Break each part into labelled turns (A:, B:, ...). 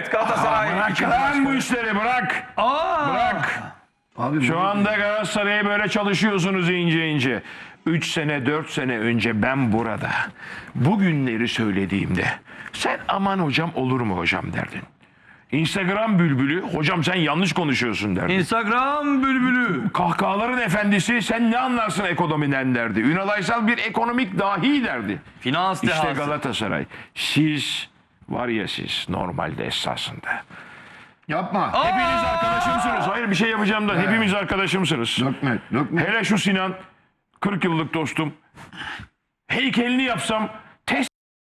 A: Evet Galatasaray.
B: Bırak lan bu işleri bırak. Bırak.
C: Abi
B: Şu anda Galatasaray'a böyle çalışıyorsunuz ince ince. 3 sene 4 sene önce ben burada bu günleri söylediğimde sen aman hocam olur mu hocam derdin. Instagram bülbülü hocam sen yanlış konuşuyorsun derdin.
C: Instagram bülbülü.
B: Kahkahaların efendisi sen ne anlarsın ekonomiden derdi. Ünal Aysal bir ekonomik dahi derdi.
C: Finans
B: İşte
C: dehası.
B: Galatasaray. Siz var ya siz normalde esasında.
D: Yapma.
B: Hepiniz arkadaşımsınız. Hayır bir şey yapacağım da hepimiz arkadaşımsınız.
D: Dökme.
B: Hele şu Sinan 40 yıllık dostum. Heykelini yapsam test.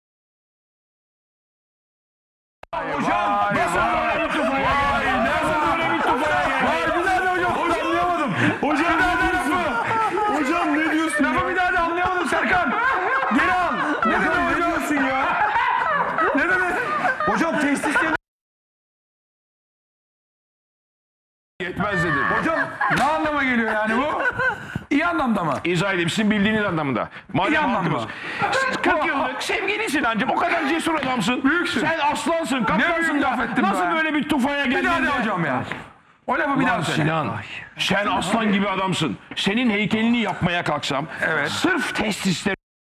B: Hocam nasıl böyle bir tufaya geldi? Nasıl böyle bir tufaya geldi? Bir daha da hocam anlayamadım. Hocam bir daha da lafı. Hocam ne diyorsun ya? Bir daha da anlayamadım Serkan. Geri al. Ne demek diyorsun ya? Ne demek?
A: Hocam testisleri...
B: Yetmez dedim.
A: Hocam
C: Ne anlama geliyor yani bu? İyi anlamda mı?
B: İzah edeyim sizin bildiğiniz anlamında. Madem
C: İyi anlamda.
B: halkımız. Siz 40 yıllık sevgili Sinancığım o kadar cesur adamsın.
C: Büyüksün.
B: Sen aslansın,
C: Ne
B: kaplansın
C: büyük
B: da
C: laf ettin
B: nasıl
C: be?
B: böyle bir tufaya geldin
C: Bir daha de
B: de-
C: hocam ya. O lafı bir daha
B: Lan
C: söyle.
B: Sinan, sen aslan gibi adamsın. Senin heykelini yapmaya kalksam,
C: Evet.
B: sırf testisleri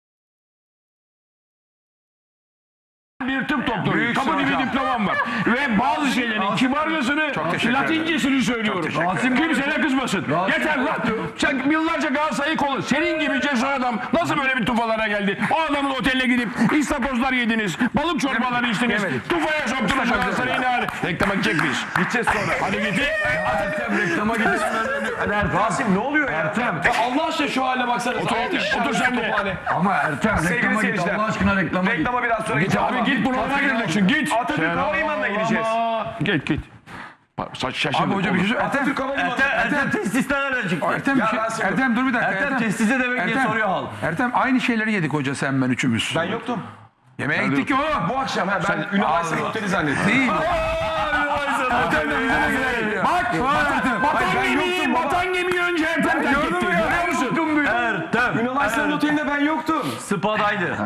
B: bir tıp doktoru.
C: Büyüksün
B: Kapı gibi
C: hocam.
B: diplomam var. Ve bazı şeylerin kibarcasını,
C: teşekkür
B: latincesini söylüyorum. Kimse de kızmasın. Yeter lan. Sen yıllarca Galatasaray'ı kolu. Senin gibi cesur adam nasıl böyle bir tufalara geldi? O adamın oteline gidip istakozlar yediniz. Balık çorbaları içtiniz.
C: Yemedik.
B: Tufaya soktunuz Galatasaray'ı ne hali? Reklama gidecek miyiz?
A: gideceğiz sonra.
B: Hadi git.
C: Reklama gidiyoruz.
A: Rasim ne oluyor ya?
C: Ertem.
A: Ya Allah aşkına şu hale baksanız.
B: Otur sen de.
C: Ama Ertem
A: Sevgili
C: reklama git.
A: seyirciler.
C: Allah aşkına reklama git.
A: Reklama biraz sonra gideceğiz.
B: Abi git buna gireceksin git.
A: Atatürk Havalimanı'na gideceğiz.
B: Git. Saç şaşırdık.
C: Abi hoca bir şey söyle.
A: Atatürk Havalimanı'na.
E: Ertem testisler nereden çıktı?
C: Ertem,
A: Ya
C: bir şey,
A: Rasim,
C: Ertem dur bir dakika.
E: Ertem testise demek diye soruyor halk.
C: Ertem aynı şeyleri yedik hoca sen ben üçümüz.
A: Ben yoktum.
C: Yemeğe gittik ki oğlum.
A: Bu akşam ben Ünal Aysal Oteli zannettim.
C: Değil. Ertem de bize de gidelim. Bak.
B: Vatan gemiyi önce Ertem terk etti. Görüyor musun?
E: Ertem.
A: Ünal Aysal'ın otelinde ben yoktum.
E: Spa'daydı.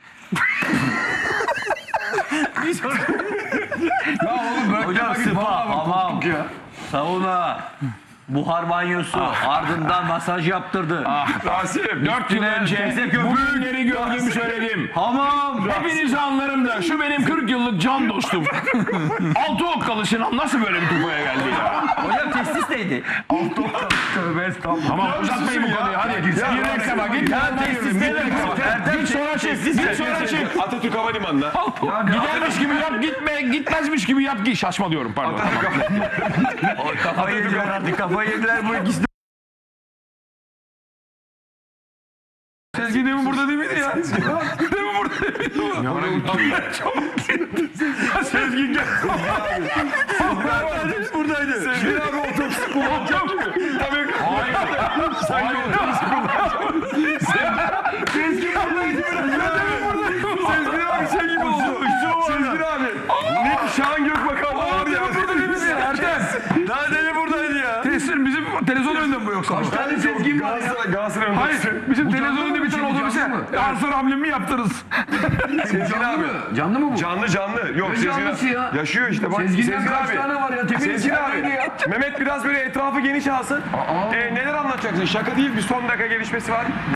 E: Hocam spa, hamam, sauna, buhar banyosu, ardından masaj yaptırdı.
A: Rasim.
B: 4 yıl önce
E: teyze köpük.
B: bu günleri gördüğümü söyledim.
E: Hamam.
B: Hepinizi anlarım da şu benim 40 yıllık can dostum. Altı okkalı Sinan nasıl böyle bir tufaya geldi ya?
E: Hocam testis neydi?
B: Tamam uzatmayın bu konuyu hadi. Gir reklama git.
E: testis ne demek?
B: Git sonra çık. Git sonra çık.
A: Atatürk Havalimanı'na.
B: Gidermiş gibi yap gitme. Gitmezmiş gibi yap. Şaşma diyorum pardon.
E: Kafayı yediler artık. Kafayı yediler bu ikisi.
C: Sezgin demin burada değil miydi ya? Demin burada değil miydi?
B: Sezgin gel.
E: Buradaydı.
A: Sezgin abi otobüsü kullanacağım. Tabii.
B: Hayır.
A: Sanki otobüsü kullanacağım. Sezgin abi. Sezgin abi şey gibi oldu. Sezgin abi. Ne Şahan Gökbakan var ya.
C: Burada değil miydi? Ertem.
E: Daha deli buradaydı ya.
C: Teslim bizim televizyon önünde mi bu yoksa?
A: Tane Sezgin var ya. Galatasaray
C: Hayır, bizim televizyon önünde bir tane otobüse Arslan hamlemi yaptırırız.
A: Sezgin abi.
D: Canlı mı bu?
A: Canlı. Yok Sezgin
D: canlısı
A: abi.
D: ya?
A: Yaşıyor işte bak.
D: Sezgin'den
A: Sezgin
D: kaç
A: abi.
D: tane var ya?
A: Sezgin abi. Mehmet biraz böyle etrafı geniş alsın. Neler anlatacaksın? Şaka değil bir son dakika gelişmesi var.